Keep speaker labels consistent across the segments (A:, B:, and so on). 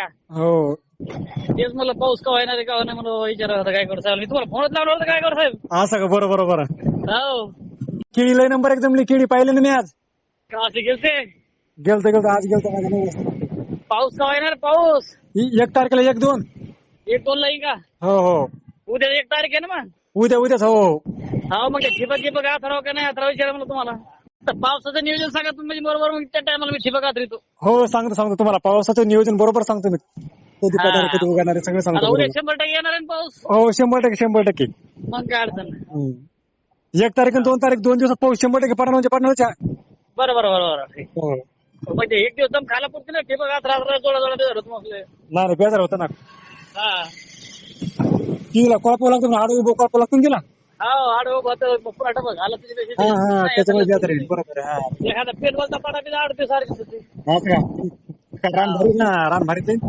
A: का?
B: हो.
A: तेच मला पाऊस का येणार आहे का नाही म्हणून विचारत होता काय करू साहेब. मी तुम्हाला फोनच लावला होता काय करू साहेब.
B: असं का? बरोबर बरोबर.
A: हो
B: केळी लय नंबर एक जमली. केळी पाहिले ना मी आज.
A: का असे गेलते
B: गेलतो आज गेलतो माझ्या 9 वाजता.
A: पाऊस का येणार पाऊस
B: 1 तारखेला 1-2.
A: 1-2 ला येईल का?
B: हो हो.
A: उद्या 1 तारीख आहे ना मग.
B: उद्याच हो.
A: हो मग ठिबक अथराव का नाही अथराव विचारा मला तुम्हाला. तर पावसाचं नियोजन सांगा तुम्ही म्हणजे बरोबर मग त्या टायमाला मी ठिबक अथरितो.
B: हो सांगतो तुम्हाला. पावसाचं नियोजन बरोबर सांगतो मी. कधी पडणार कधी उगणार सगळं
A: आता
B: सांगतो.
A: उद्या 100% येणार आहे ना पाऊस.
B: हो 100%.
A: मग काय अडचण नाही.
B: 1 तारीख आणि 2 तारीख 2 दिवसात पाऊस 100% पडणार म्हणजे पडणारच.
A: बरोबर
B: हो.
A: म्हणजे एक दिवस दम खायला पुरते ना ठिबक अथराव जोडा धरत मग आपले.
B: नाही बेजार होतं ना.
A: हा
B: तिला कळपावं लागतं ना. आडवी बोकळावं लागतं ना तिला.
A: हो आडव पुरा टपक आला तुझी
B: हा त्याच्यामुळे बेजार आहे. बरोबर आहे. हा.
A: एखादा पेटवलचा पाडा बी आडते सारखी होती.
B: असं का? रान भारी ना. रान भारी ते.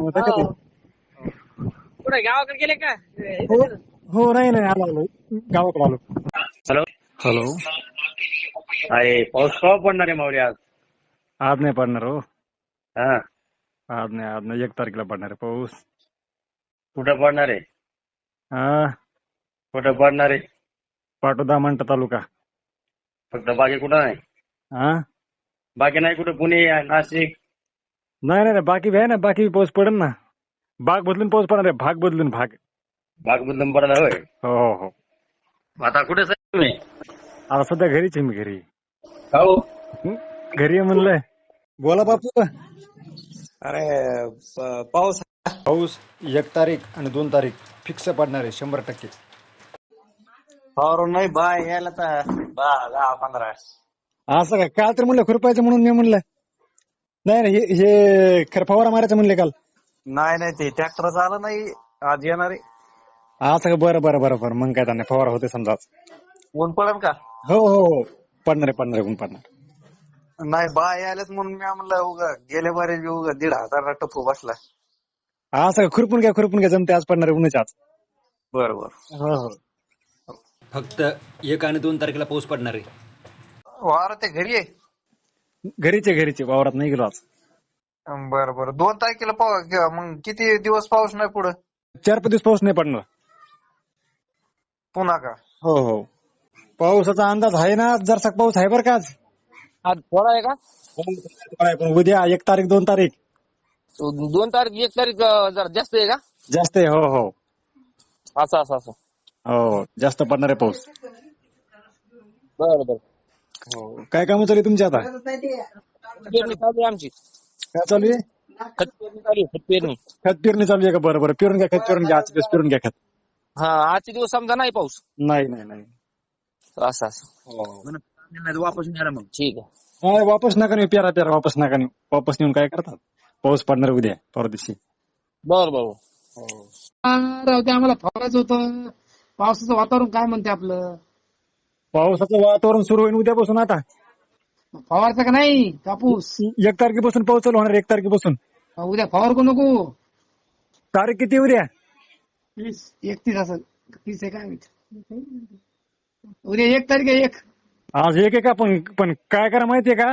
A: कुठे गावाकडे गेले का?
B: हो नाही आलो गावाकडे आलो.
C: Hello
B: hello.
C: अरे पाऊस केव्हा पडणार आहे माऊली आज?
B: आज नाही पडणार हो.
C: हा
B: आज नाही 1 तारखेला पडणार आहे पाऊस.
C: कुठं पडणार आहे?
B: हा
C: कुठं पडणार आहे?
B: पाटोदा मंठा तालुका.
C: फक्त बाकी कुठं नाही?
B: हा
C: बाकी नाही कुठं? पुणे नाशिक?
B: नाही बाकी बी आहे ना. बाकी बी पाऊस पडेल ना. भाग बदलून पाऊस पडणार आहे. भाग बदलून.
C: बाग बदलून पडणार होय?
B: हो.
C: आता कुठे साहेब तुम्ही?
B: आता सध्या घरीच आहे मी. घरी
C: हो
B: घरी आहे म्हणलंय. बोला बापू.
D: अरे पाऊस
B: 1 तारीख आणि 2 तारीख फिक्स पडणार आहे 100%.
D: फवारून नाही यायला तर 10-15.
B: असं का? काल तर म्हणलं खुरपायचं म्हणून मी म्हणलं. नाही हे खरं फवारा मारायचं म्हणले काल.
D: नाही ते ट्रॅक्टर आलं नाही आज येणार आहे.
B: असं का? बरं मग काय त्यांना फवारा होते समजा.
D: ऊन पडेल का?
B: हो पडणार आहे ऊन पडणार.
D: नाही यायलाच म्हणून मी म्हणलं गेल्या बारे 1,500 टप्पू बसला.
B: असं का? खुरपून घ्या जमते. आज पडणार आहे उन्हाच्या आज.
D: बरोबर
B: हो.
E: फक्त 1 आणि 2 तारखेला पाऊस पडणार आहे.
D: वार ते घरी आहे.
B: घरीचे वावरात नाही गेलो आज.
D: बरं 2 तारखेला पाऊस मग किती दिवस पाऊस नाही पुढे?
B: 4-5 दिवस पाऊस नाही पडणार.
D: पुन्हा का?
B: हो पावसाचा अंदाज आहे ना. जरसा पाऊस आहे बरं का आज.
A: आज थोडा आहे का?
B: पण उद्या 1 तारीख 2 तारीख
A: 2 तारीख 1 तारीख जरा जास्त आहे का?
B: जास्त आहे. हो
A: असं
B: हो जास्त पडणार आहे पाऊस.
A: बरं
B: हो. काय काम चालू आहे तुमची आता?
A: पेरणी चालू आहे आमची.
B: काय चालू आहे?
A: खत पेरणी चालू आहे.
B: खत पेरणी चालू आहे का? बरं पेरून घ्या. खत पेरून घ्या. आजचे दिवस पेरून घ्या खत.
A: हा आजचे दिवस समजा नाही पाऊस.
B: नाही.
A: असं वापस येणार मग. ठीक आहे.
B: वापस नका नेऊ. पेरा वापस नका नेऊ. वापस नेऊन काय करतात? पाऊस पडणार उद्या परवा दिवशी.
A: बरं ते आम्हाला फवारायचं होतं. पावसाचं वातावरण काय म्हणते आपलं?
B: पावसाचं वातावरण सुरू होईल उद्यापासून. आता
A: फवारचा का नाही कापूस?
B: 1 तारखेपासून पाऊस चालू होणार. 1 तारखेपासून.
A: उद्या फवार को नको?
B: तारीख किती उद्या?
A: 31 असं 30 आहे काय? उद्या 1 तारीख आहे. 1
B: आज 1 आहे का? पण काय करा माहितीये का?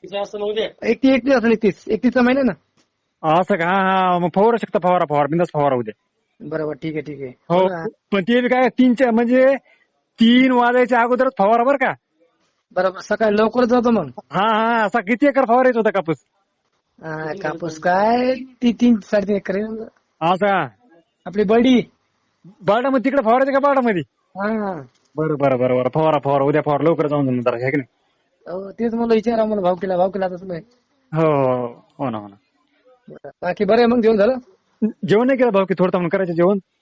A: 31 असेल. 31चा महिना ना.
B: असं का? हा मग फवारू शकता. फवारा बिंदास फवारा उद्या.
A: बरोबर ठीक आहे.
B: हो पण ते काय 3च्या म्हणजे 3 वाजायच्या अगोदरच फवारा बरं का?
A: बरोबर सकाळी लवकर जातो मग.
B: हा असा किती एकर फवारायचा होता कापूस?
A: कापूस काय 3-3.5 एकर आहे.
B: असा
A: आपली बडी
B: बाडामध्ये तिकडे फवारायचं का? बाडामध्ये.
A: हा
B: बरं फवारा उद्या फवारा लवकर जाऊन जरा आहे की नाही?
A: तेच मला विचारा मला भाव केला आता तुम्ही.
B: हो ना.
A: बाकी बरं आहे मग जेवण झालं?
B: जेवण नाही केलं भाऊ की थोडं करायचं जेवण.